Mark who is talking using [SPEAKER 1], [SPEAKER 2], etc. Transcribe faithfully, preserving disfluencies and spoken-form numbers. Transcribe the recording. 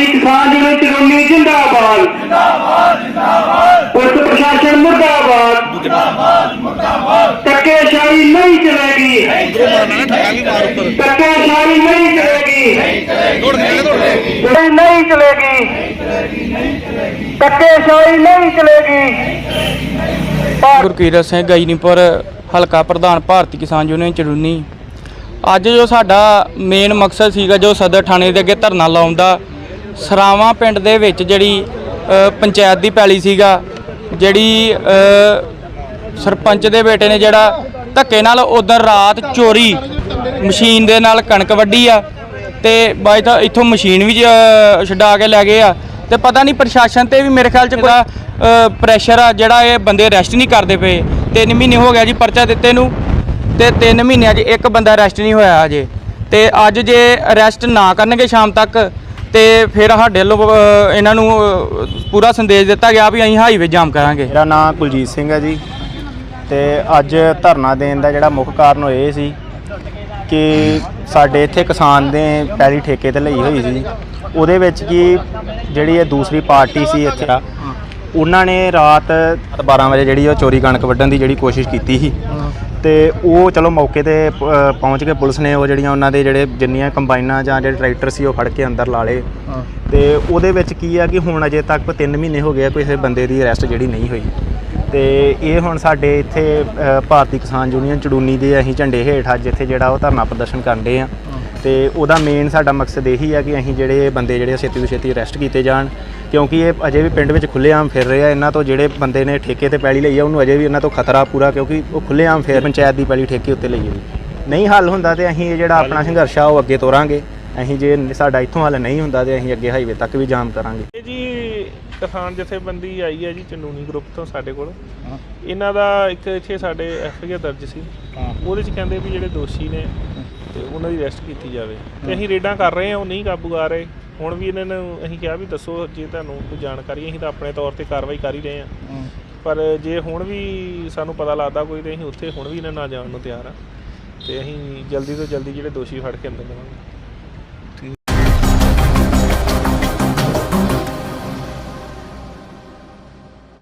[SPEAKER 1] भारतीय किसान यूनियन चुरूनी जिंदाबाद पुलिस प्रशासन मुर्दाबाद धक्केशाही नहीं चलेगी धक्केशाही नहीं चलेगी नहीं चलेगी धक्केशाही नहीं चलेगी।
[SPEAKER 2] गुरकीरत सिंह गाईनीपुर हल्का प्रधान भारतीय किसान यूनियन चरूनी। ਅੱਜ ਜੋ ਸਾਡਾ ਮੇਨ ਮਕਸਦ ਸੀਗਾ ਜੋ ਸਦਰ ਥਾਣੇ ਦੇ ਅੱਗੇ ਧਰਨਾ ਲਾਉਣ ਦਾ, ਸਰਾਵਾਂ ਪਿੰਡ ਦੇ ਵਿੱਚ ਜਿਹੜੀ ਪੰਚਾਇਤ ਦੀ ਪੈਲੀ ਸੀਗਾ, ਜਿਹੜੀ ਸਰਪੰਚ ਦੇ ਬੇਟੇ ਨੇ ਜਿਹੜਾ ਧੱਕੇ ਨਾਲ ਉਦੋਂ ਰਾਤ ਚੋਰੀ ਮਸ਼ੀਨ ਦੇ ਨਾਲ ਕਣਕ ਵੱਢੀ ਆ ਤੇ ਬਾਈ ਤਾਂ ਇੱਥੋਂ ਮਸ਼ੀਨ ਵੀ ਛਡਾ ਕੇ ਲੈ ਗਏ ਆ ਤੇ ਪਤਾ ਨਹੀਂ ਪ੍ਰਸ਼ਾਸਨ ਤੇ ਵੀ ਮੇਰੇ ਖਿਆਲ 'ਚ ਕੋਈ ਪ੍ਰੈਸ਼ਰ ਆ ਜਿਹੜਾ ਇਹ ਬੰਦੇ ਅਰੈਸਟ ਨਹੀਂ ਕਰਦੇ ਪਏ। ਤਿੰਨ ਮਹੀਨੇ ਹੋ ਗਿਆ ਜੀ ਪਰਚਾ ਦਿੱਤੇ ਨੂੰ ਤੇ ਤਿੰਨ ਮਹੀਨਿਆਂ 'ਚ ਇੱਕ ਬੰਦਾ ਅਰੈਸਟ ਨਹੀਂ ਹੋਇਆ ਅਜੇ। ਤੇ ਅੱਜ ਜੇ ਅਰੈਸਟ ਨਾ ਕਰਨਗੇ ਸ਼ਾਮ ਤੱਕ ਤੇ ਫਿਰ ਸਾਡੇ ਵੱਲੋਂ ਇਹਨਾਂ ਨੂੰ ਪੂਰਾ ਸੰਦੇਸ਼ ਦਿੱਤਾ ਗਿਆ ਵੀ ਅਸੀਂ ਹਾਈਵੇ ਜਾਮ ਕਰਾਂਗੇ।
[SPEAKER 3] ਮੇਰਾ ਨਾਮ ਕੁਲਜੀਤ ਸਿੰਘ ਹੈ ਜੀ ਤੇ ਅੱਜ ਧਰਨਾ ਦੇਣ ਦਾ ਜਿਹੜਾ ਮੁੱਖ ਕਾਰਨ ਇਹ ਸੀ ਕਿ ਸਾਡੇ ਇੱਥੇ ਕਿਸਾਨ ਦੇ ਪੈਲੀ ਠੇਕੇ ਤੇ ਲਈ ਹੋਈ ਸੀ, ਉਹਦੇ ਵਿੱਚ ਕੀ ਜਿਹੜੀ ਇਹ ਦੂਸਰੀ ਪਾਰਟੀ ਸੀ ਇੱਥੇ ਉਹਨਾਂ ਨੇ ਰਾਤ ਬਾਰਾਂ ਵਜੇ ਜਿਹੜੀ ਉਹ ਚੋਰੀ ਕਣਕ ਵੱਢਣ ਦੀ ਜਿਹੜੀ ਕੋਸ਼ਿਸ਼ ਕੀਤੀ ਸੀ ਤੇ ਉਹ ਚਲੋ ਮੌਕੇ ਤੇ ਪਹੁੰਚ ਕੇ ਪੁਲਿਸ ਨੇ ਉਹ ਜਿਹੜੀਆਂ ਉਹਨਾਂ ਦੇ ਜਿਹੜੇ ਜਿੰਨੀਆਂ ਕੰਬਾਈਨਾਂ ਜਾਂ ਜਿਹੜੇ ਟਰੈਕਟਰ ਸੀ ਉਹ ਫੜ ਕੇ ਅੰਦਰ ਲਾ ਲਏ। ਤੇ ਉਹਦੇ ਵਿੱਚ ਕੀ ਆ ਕਿ ਹੁਣ ਅਜੇ ਤੱਕ ਤਿੰਨ ਮਹੀਨੇ ਹੋ ਗਏ ਕਿਸੇ ਬੰਦੇ ਦੀ ਅਰੈਸਟ ਜਿਹੜੀ ਨਹੀਂ ਹੋਈ। ਤੇ ਇਹ ਹੁਣ ਸਾਡੇ ਇੱਥੇ ਭਾਰਤੀ ਕਿਸਾਨ ਯੂਨੀਅਨ ਚੜੂਨੀ ਦੇ ਅਸੀਂ ਝੰਡੇ ਹੇਠ ਅੱਜ ਇੱਥੇ ਜਿਹੜਾ ਉਹ ਧਰਨਾ ਪ੍ਰਦਰਸ਼ਨ ਕਰਦੇ ਆ ਤੇ ਉਹਦਾ ਮੇਨ ਸਾਡਾ ਮਕਸਦ ਇਹੀ ਆ ਕਿ ਅਸੀਂ ਜਿਹੜੇ ਬੰਦੇ ਜਿਹੜੇ ਛੇਤੀ ਤੋਂ ਛੇਤੀ ਅਰੈਸਟ ਕੀਤੇ ਜਾਣ, ਕਿਉਂਕਿ ਇਹ ਅਜੇ ਵੀ ਪਿੰਡ ਵਿੱਚ ਖੁੱਲ੍ਹੇਆਮ ਫਿਰ ਰਹੇ ਆ। ਇਹਨਾਂ ਤੋਂ ਜਿਹੜੇ ਬੰਦੇ ਨੇ ਠੇਕੇ ਤੇ ਪੈਲੀ ਲਈ ਆ ਉਹਨੂੰ ਅਜੇ ਵੀ ਇਹਨਾਂ ਤੋਂ ਖਤਰਾ ਪੂਰਾ, ਕਿਉਂਕਿ ਉਹ ਖੁੱਲ੍ਹੇਆਮ ਫਿਰ ਪੰਚਾਇਤ ਦੀ ਪੈਲੀ ਠੇਕੇ ਉੱਤੇ ਲਈ ਹੋਈ। ਨਹੀਂ ਹੱਲ ਹੁੰਦਾ ਤੇ ਅਸੀਂ ਇਹ ਜਿਹੜਾ ਆਪਣਾ ਸੰਘਰਸ਼ ਆ ਉਹ ਅੱਗੇ ਤੋਰਾਂਗੇ। ਅਸੀਂ ਜੇ ਸਾਡਾ ਇੱਥੋਂ ਹੱਲ ਨਹੀਂ ਹੁੰਦਾ ਤੇ ਅਸੀਂ ਅੱਗੇ ਹਾਈਵੇ ਤੱਕ ਵੀ ਜਾਮ ਕਰਾਂਗੇ।
[SPEAKER 4] ਇਹ ਜੀ ਕਿਸਾਨ ਜਥੇਬੰਦੀ ਆਈ ਹੈ ਜੀ ਚਨੂਨੀ ਗਰੁੱਪ ਤੋਂ ਸਾਡੇ ਕੋਲ। ਇਹਨਾਂ ਦਾ ਇੱਕ ਇੱਥੇ ਸਾਡੇ ਐਫ ਆਈ ਆਰ ਦਰਜ ਸੀ, ਉਹਦੇ 'ਚ ਕਹਿੰਦੇ ਵੀ ਜਿਹੜੇ ਦੋਸ਼ੀ ਨੇ ਤੇ ਉਹਨਾਂ ਦੀ ਅਰੈਸਟ ਕੀਤੀ ਜਾਵੇ ਤੇ ਅਸੀਂ ਰੇਡਾਂ ਕਰ ਰਹੇ ਹਾਂ, ਉਹ ਨਹੀਂ ਕਾਬੂ ਆ ਰਹੇ। ਹੁਣ ਵੀ ਇਹਨਾਂ ਨੂੰ ਅਸੀਂ ਕਿਹਾ ਵੀ ਦੱਸੋ ਜੇ ਤੁਹਾਨੂੰ ਕੋਈ ਜਾਣਕਾਰੀ, ਅਸੀਂ ਤਾਂ ਆਪਣੇ ਤੌਰ ਤੇ ਕਾਰਵਾਈ ਕਰ ਹੀ ਰਹੇ ਹਾਂ, ਪਰ ਜੇ ਹੁਣ ਵੀ ਸਾਨੂੰ ਪਤਾ ਲੱਗਦਾ ਕੋਈ ਤੇ ਅਸੀਂ ਉੱਥੇ ਹੁਣ ਵੀ ਇਹਨਾਂ ਨਾਲ ਜਾਣ ਨੂੰ ਤਿਆਰ ਹਾਂ ਤੇ ਅਸੀਂ ਜਲਦੀ ਤੋਂ ਜਲਦੀ ਜਿਹੜੇ ਦੋਸ਼ੀ ਫੜ ਕੇ ਅੰਦਰ ਦੇਵਾਂਗੇ।